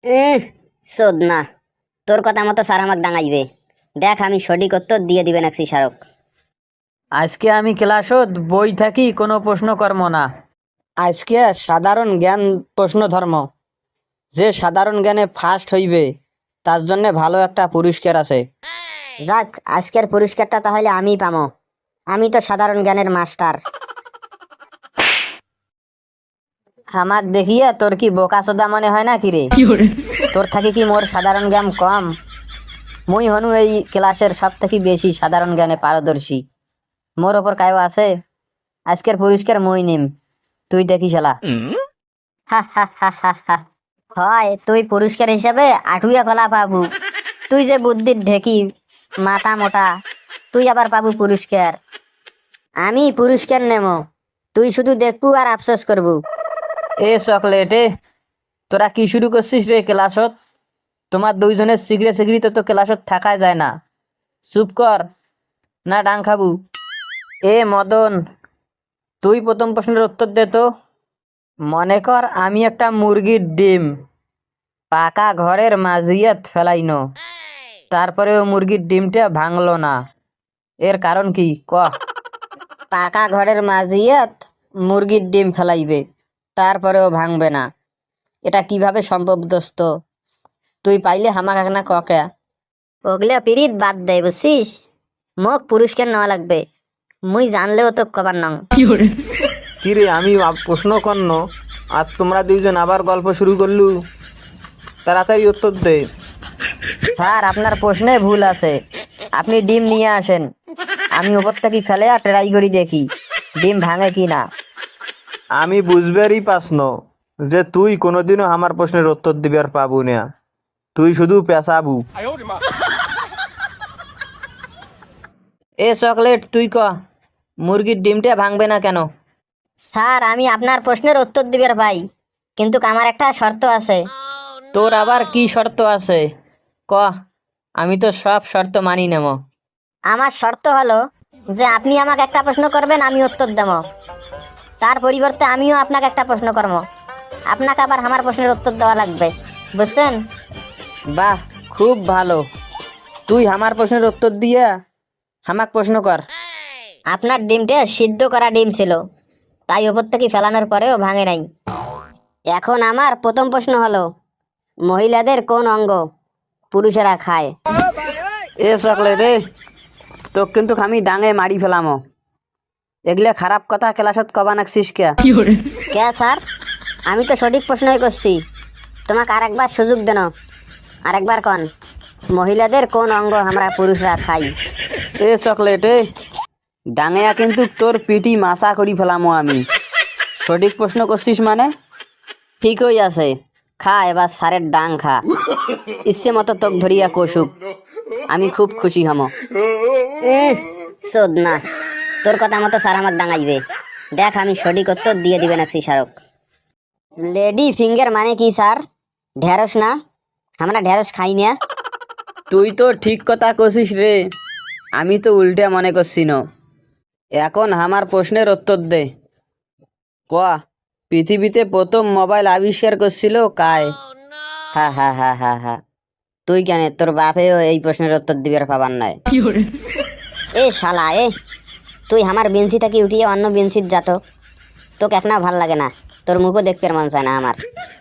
শোধ না, তোর কথা মতো স্যার আমাকে ডাঙাইবে। দেখ আমি সঠিক উত্তর দিয়ে দিবে নাকছি স্মারক। আজকে আমি ক্লাসত বই থাকি কোনো প্রশ্ন কর্ম না। আজকে সাধারণ জ্ঞান প্রশ্ন ধর্ম। যে সাধারণ জ্ঞানে ফার্স্ট হইবে তার জন্য ভালো একটা পুরস্কার আছে। যাক, আজকের পুরস্কারটা তাহলে আমিই পামো। আমি তো সাধারণ জ্ঞানের মাস্টার। আমাক দেখিয়া তোর কি বোকা চোদা মনে হয় না কিরে? তোর থাকি কি মোর সাধারণ জ্ঞান কম? মুই হনু এই ক্লাসের সব থেকে বেশি সাধারণ জ্ঞানে পারদর্শী। মোর ওপর কায়ও আছে। আজকের পুরস্কার মুই নিম, তুই দেখিস শালা। হা হা হা হা হা। হয় তুই পুরস্কার হিসাবে আটুয়া কলা পাবু। তুই যে বুদ্ধির ঢেকি, মাথা মোটা, তুই আবার পাবু পুরস্কার। আমি পুরস্কার নেমো, তুই শুধু দেখবু আর আফসোস করবু। এ চকলেটে, তোরা কি শুরু করছিস রে ক্লাসত? তোমার দুইজনের সিগড়ে সিগড়িতে তো ক্লাসত থাকা যায় না। চুপ কর, না ডাং খাবু। এ মদন, তুই প্রথম প্রশ্নের উত্তর দে তো। মনে কর আমি একটা মুরগির ডিম পাকা ঘরের মাঝিয়াত ফেলাইনো, তারপরে ও মুরগির ডিমটা ভাঙলো না, এর কারণ কি ক? পাকা ঘরের মাঝিয়াত মুরগির ডিম ফেলাইবে, তারপরেও ভাঙবে না, এটা কিভাবে সম্ভব দোস্ত? তুই পাইলে হামাক না ককে। ওগুলা পিরিত বাদ দেয় বুঝছিস। মোক পুরস্কার নেওয়া লাগবে, মুই জানলেও তো কবার নং। কিরে আমি প্রশ্ন কর্ণ আর তোমরা দুইজন আবার গল্প শুরু করলু? তাড়াতাড়ি উত্তর দে। স্যার আপনার প্রশ্নে ভুল আছে। আপনি ডিম নিয়ে আসেন, আমি ওপর থেকে ফেলে আর ট্রাই করি দেখি ডিম ভাঙে কি না। আমি বুঝবারই পাসন যে তুই কোনোদিনও আমার প্রশ্নের উত্তর দিবার পাবু না, তুই শুধু পেঁচাবু। এ চকলেট তুই ক, মুরগির ডিমটা ভাঙবে না কেন? স্যার আমি আপনার প্রশ্নের উত্তর দিবার পাই, কিন্তু আমার একটা শর্ত আছে। তোর আবার কি শর্ত আছে ক? আমি তো সব শর্ত মানি নেব। আমার শর্ত হলো যে আপনি আমাকে একটা প্রশ্ন করবেন, আমি উত্তর দেব। তার পরিবর্তে আমিও আপনাকে একটা প্রশ্ন করবো, আপনাকে আবার আমার প্রশ্নের উত্তর দেওয়া লাগবে, বুঝছেন? বাহ, খুব ভালো। তুই আমার প্রশ্নের উত্তর দিয়া হামাক প্রশ্ন কর। আপনার ডিমটা সিদ্ধ করা ডিম ছিল, তাই ওপর থেকে ফেলানোর পরেও ভাঙে নাই। এখন আমার প্রথম প্রশ্ন হলো, মহিলাদের কোন অঙ্গ পুরুষেরা খায়? এ চকলেট রে, তো কিন্তু আমি ডাঙে মারি ফেলামো। এগুলা খারাপ কথা ক্লাসত কবা নাকছিস কে? কে স্যার, আমি তো সঠিক প্রশ্নই করছি। তোমাকে আরেকবার সুযোগ দেন, আরেকবার কন, মহিলাদের কোন অঙ্গ আমরা পুরুষরা খাই? এ চকলেট এ, ডাঙেয়া কিন্তু তোর পিটি মাসা করি ফেলামো আমি। সঠিক প্রশ্ন করছিস মানে? ঠিকই আছে, খা এবার সারের ডাং খা। ইচ্ছে মতো তোক ধরিয়া কষুক, আমি খুব খুশি হমো। শোধ না, তোর কথা মতো স্যার আমাকে ডাঙাইবে। দেখ আমি সঠিক উত্তর দিয়ে দিবে নাকছি স্মারক। লেডি ফিঙ্গার মানে কি স্যার? ঢেঁড়স না? আমরা ঢেঁড়স খাই না। তুই তো ঠিক কথা কছিস রে, আমি তো উল্টে মনে করছি ন। এখন আমার প্রশ্নের উত্তর দে ক, পৃথিবীতে প্রথম মোবাইল আবিষ্কার করছিল কায়? হা হা হা হা হা। তুই কেন, তোর বাপেও এই প্রশ্নের উত্তর দিবার পাবার নাই। এ শালা এ, তুই আমার বেঞ্চি থেকে উঠিয়ে অন্য বেঞ্চিত যাত, তোকে এক না ভাল লাগে না, তোর মুখও দেখতে মন চায় না আমার।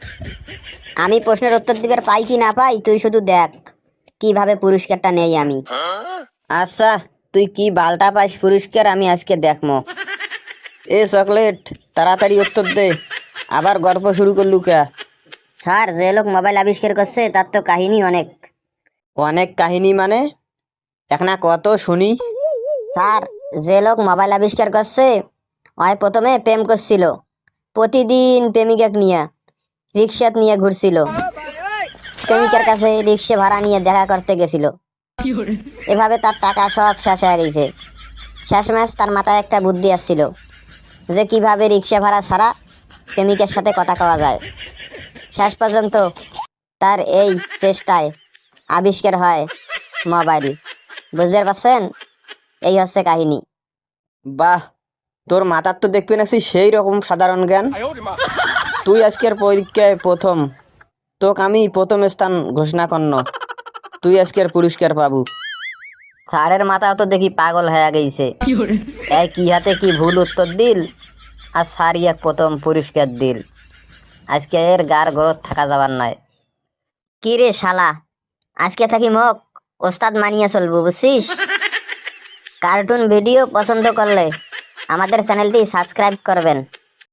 আমি প্রশ্নের উত্তর দিবার পাই কি না পাই তুই শুধু দেখ কিভাবে পুরস্কারটা নেই আমি। আচ্ছা, তুই কি বালটা পাইস পুরস্কার আমি আজকে দেখমো। এ চকলেট, তাড়াতাড়ি উত্তর দে, আবার গল্প শুরু করলু কে? স্যার যে লোক মোবাইল আবিষ্কার করছে তার তো কাহিনী অনেক। অনেক কাহিনী মানে? একনা কত শুনি। স্যার যে লোক মোবাইল আবিষ্কার করছে ওই প্রথমে প্রেম করছিল, প্রতিদিন প্রেমিকাকে নিয়ে রিক্সাত নিয়ে ঘুরছিল, প্রেমিকার কাছে রিক্সা ভাড়া নিয়ে দেখা করতে গেছিল। এভাবে তার টাকা সব শেষ হয়ে গেছে। শেষমেশ তার মাথায় একটা বুদ্ধি আসছিল যে কিভাবে রিক্সা ভাড়া ছাড়া প্রেমিকের সাথে কথা কওয়া যায়। শেষ পর্যন্ত তার এই চেষ্টায় আবিষ্কার হয় মোবাইল। বুঝতে পারছেন? এই হচ্ছে কাহিনী। বাহ, তোর মাথার তো দেখবি না সেই রকম সাধারণ জ্ঞান। তুই আজকের পরীক্ষায় প্রথম, তোক আমি প্রথম স্থান ঘোষণা করন, তুই আজকের পুরস্কার পাবু। স্যারের মাথা তো দেখি পাগল হয়ে গেছে, এই কি হাতে কি ভুল উত্তর দিল, আর স্যারই এক প্রথম পুরস্কার দিল। আজকে এর গার গরত থাকা যাবার নয়। কি রে শালা, আজকে থাকি মোক ওস্তাদ মানিয়ে চলবো, বুঝছিস? কার্টুন ভিডিও পছন্দ করলে আমাদের চ্যানেলটি সাবস্ক্রাইব করবেন।